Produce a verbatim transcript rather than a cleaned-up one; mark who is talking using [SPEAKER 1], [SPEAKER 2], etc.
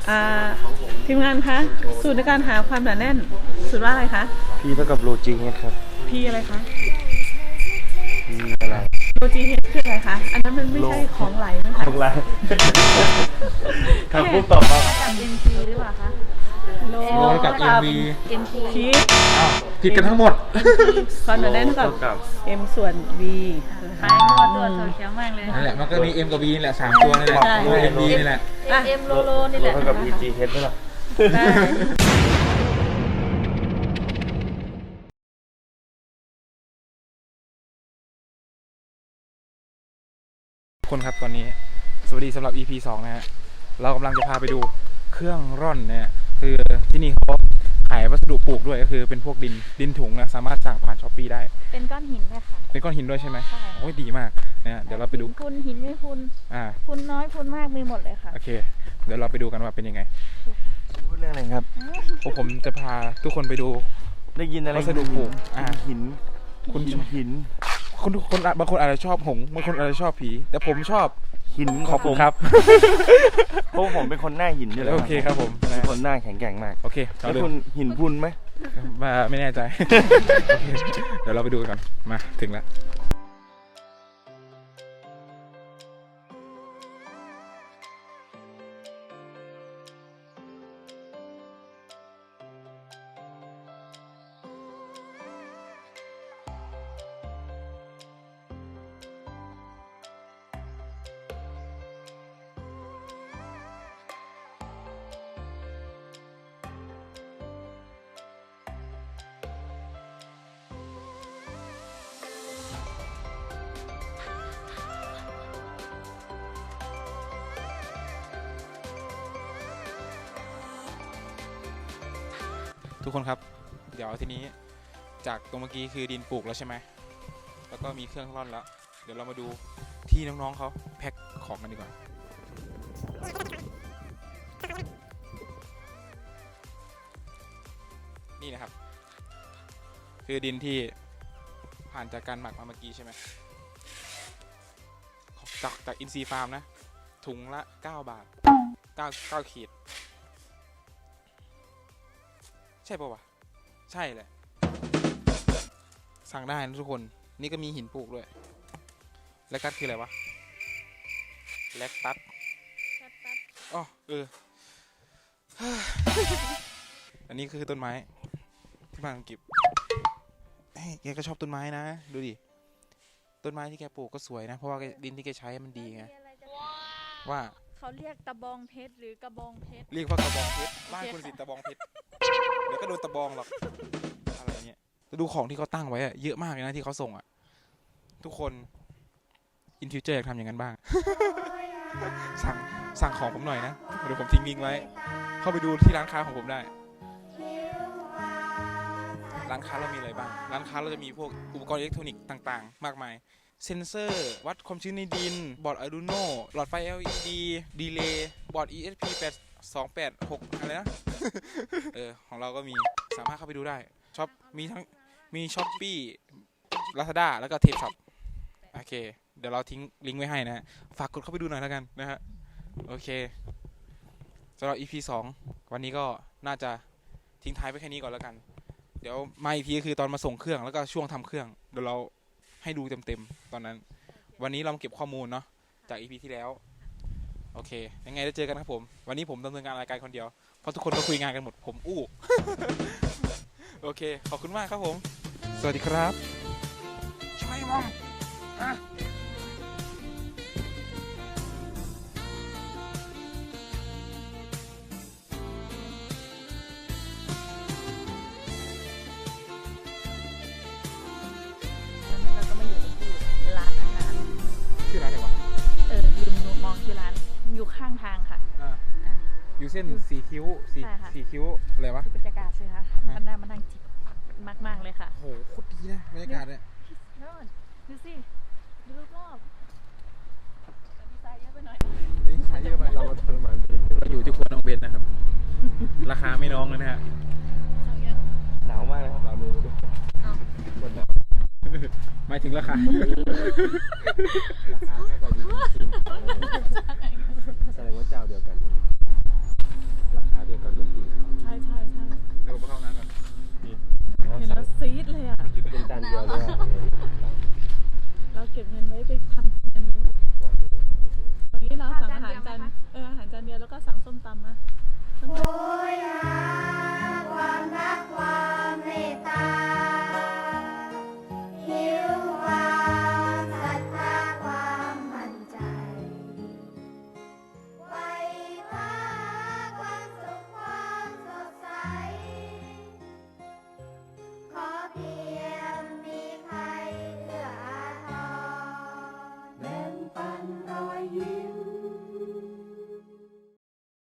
[SPEAKER 1] อ่าทีมงานคะสูตรในการหาความหนาแน่นสูตรว่าอะไรคะ
[SPEAKER 2] P เท่ากับโลจิเฮดครับ
[SPEAKER 1] P อะไรคะ
[SPEAKER 2] P อะไร
[SPEAKER 1] โลจีเฮดคืออะไรคะอันนั้นมันไม่ใช่ของไหลนะคะ
[SPEAKER 2] ของไรครับปุ๊บตอบครับ
[SPEAKER 3] กับ เอ็ม พี หรือเปล่าคะ
[SPEAKER 1] โล
[SPEAKER 4] โลกับ เอ็ม วี
[SPEAKER 3] เอ็ม พี
[SPEAKER 1] พี
[SPEAKER 4] อ้าวผิดกันทั้งหมด
[SPEAKER 1] ความหนาแน่นเท่ากับ M ส่วน V
[SPEAKER 3] ขายมั่วตัวถั่วเขียวมากเลย
[SPEAKER 4] นั่นแหละมันก็มี M กับ V นี่แหละสามตัวนี่แหละ
[SPEAKER 1] ใช่
[SPEAKER 4] โล M V นี่แหละ
[SPEAKER 3] เอ็ม เอ็ม โลโลนี่แหละ
[SPEAKER 2] เท่ากับ E G H ไหมล่ะ
[SPEAKER 1] ได้
[SPEAKER 4] ทุกคนครับตอนนี้สวัสดีสำหรับ อี พี สองนะฮะเรากำลังจะพาไปดูเครื่องร่อนเนี่ยคือที่นี่เขาขายวัสดุปลูกด้วยก็คือเป็นพวกดินดินถุงนะสามารถสั่งผ่านช้อปปี้ได้
[SPEAKER 3] เป็นก้อนหินเลยค่ะ
[SPEAKER 4] เป็นก้อนหินด้วยใช่ไหม
[SPEAKER 3] ใช่
[SPEAKER 4] โอ้ยดีมากนะเดี๋ยวเราไปดู
[SPEAKER 3] หินพุนหินไม่พุน
[SPEAKER 4] อ่า
[SPEAKER 3] พุนน้อยพุนมากมีหมดเลยค่ะ
[SPEAKER 4] โอเคเดี๋ยวเราไปดูกันว่าเป็นยังไง
[SPEAKER 2] พูดเรื่องอะไรครับ
[SPEAKER 4] พวกผมจะพาทุกคนไปดู
[SPEAKER 2] ได้ยินอะไร
[SPEAKER 4] วัสดุปลูกอ่า
[SPEAKER 2] หิน
[SPEAKER 4] คุณ
[SPEAKER 2] หินหิน
[SPEAKER 4] คนทุกคนบางคนอาจจะชอบหงส์บางคนอาจจะชอบผีแต่ผมชอบ
[SPEAKER 2] หิน
[SPEAKER 4] ขอบคุณครับ
[SPEAKER 2] เพราะผมเป็นคนหน้าหินอยู่แล้ว
[SPEAKER 4] โอเคครับผม
[SPEAKER 2] เป็นคนหน้าแข็งแกร่งมาก
[SPEAKER 4] โอเคเรา
[SPEAKER 2] แล้ว
[SPEAKER 4] ดู
[SPEAKER 2] คุณหินพุนไหม
[SPEAKER 4] มาไม่แน่ใจ โอเคเดี๋ยวเราไปดูกันมาถึงแล้วทุกคนครับเดี๋ยวทีนี้จากตรงเมื่อกี้คือดินปลูกแล้วใช่ไหมแล้วก็มีเครื่องร่อนแล้วเดี๋ยวเรามาดูที่น้องๆเขาแพ็คของกันดีกว่านี่นะครับคือดินที่ผ่านจากการหมักมาเมื่อกี้ใช่ไหมจากจากอินซีฟาร์มนะถุงละเก้าบาทเก้า เก้าขีดใช่ป่าวะใช่แหละสั่งได้นะทุกคนนี่ก็มีหินปลูกด้วยแลคตัสคืออะไรวะแลคตัสอ๋อเออ อันนี้คือต้นไม้ที่บ้านของกิบเฮ้ยแกก็ชอบต้นไม้นะดูดิต้นไม้ที่แกปลูกก็สวยนะเพราะว่าดินที่แกใช้มันดีไงว่า
[SPEAKER 3] เขาเรียกตะบองเพชรหรือกระบองเพชร
[SPEAKER 4] เรียกว่ากระบองเพชรบ้านคุณสิตะบองเพชรเดี๋ยวก็โดนตะบองหรอกอะไรเงี้ยจะดูของที่เขาตั้งไว้อะเยอะมากเลยนะที่เขาส่งอะทุกคนอินฟิวเจอร์อยากทำอย่างนั้นบ้าง สั่งสั่งของผมหน่อยนะเดี๋ยวผมทิ้งลิงก์ไว้เข้าไปดูที่ร้านค้าของผมได้ร้านค้าเรามีอะไรบ้างร้านค้าเราจะมีพวกอุปกรณ์อิเล็กทรอนิกส์ต่างๆมากมายเซนเซอร์วัดความชื้นในดินบอร์ด Arduino หลอดไฟ แอล อี ดี ดีเลย์บอร์ด อี เอส พี แปด สองแปดหกอะไรนะ เออของเราก็มีสามารถเข้าไปดูได้ช็อปมีทั้งมี Shopee Lazada แล้วก็ Tape Shop โอเคเดี๋ยวเราทิ้งลิงก์ไว้ให้นะฮะฝากกดเข้าไปดูหน่อยแล้วกันนะฮะโอเคสำหรับ อี พี สองวันนี้ก็น่าจะทิ้งท้ายไปแค่นี้ก่อนแล้วกันเดี๋ยวมาอีกทีก็คือตอนมาส่งเครื่องแล้วก็ช่วงทำเครื่องเดี๋ยวเราให้ดูเต็มๆตอนนั้นวันนี้เราเก็บข้อมูลเนาะจาก อี พี ที่แล้วโอเคยังไงได้เจอกันครับผมวันนี้ผมดำเนินงานรายการคนเดียวเพราะทุกคนก็คุยงานกันหมดผมอู้ โอเคขอบคุณมากครับผมสวัสดีครับช่วยมองอ่ะ
[SPEAKER 3] เราก็มาอยู่ที่ร้านอาหาร
[SPEAKER 4] ชื่อร้านอะไรวะ
[SPEAKER 3] เออลืมมองที่ร้านอยู่ข้างทางค่ะ
[SPEAKER 4] อ่า
[SPEAKER 3] อ่า
[SPEAKER 4] อยู่เส้นสีคิ้วสี
[SPEAKER 3] ใช่ค่ะ
[SPEAKER 4] สีคิ้วอะไรวะ
[SPEAKER 3] คือบรรยากาศสิคะมันน่ามันนั่งจิบมากๆเลยค่ะ
[SPEAKER 4] โหโคตรดีนะบรรยากาศเนี่ย
[SPEAKER 3] นู่นดูสิดูรอบๆแต่ดีไซน์เยอะไปหน่อย
[SPEAKER 4] นี่ขายเยอะไปเรามาทรมานเองเราอยู่ที่ครัวน้องเบนนะครับ ราคาไม่น้องเลยนะฮะ
[SPEAKER 3] เอายัง
[SPEAKER 2] หนาวมากเลยครับหนาวมือด้วย
[SPEAKER 3] เอา
[SPEAKER 2] คนหนาว
[SPEAKER 4] หมายถึงราคา
[SPEAKER 2] ราคาแค่กับอยู่จริงแสดงว่าเจ้าเดียวกัน
[SPEAKER 1] แล้วก็สั่งส้มตำมา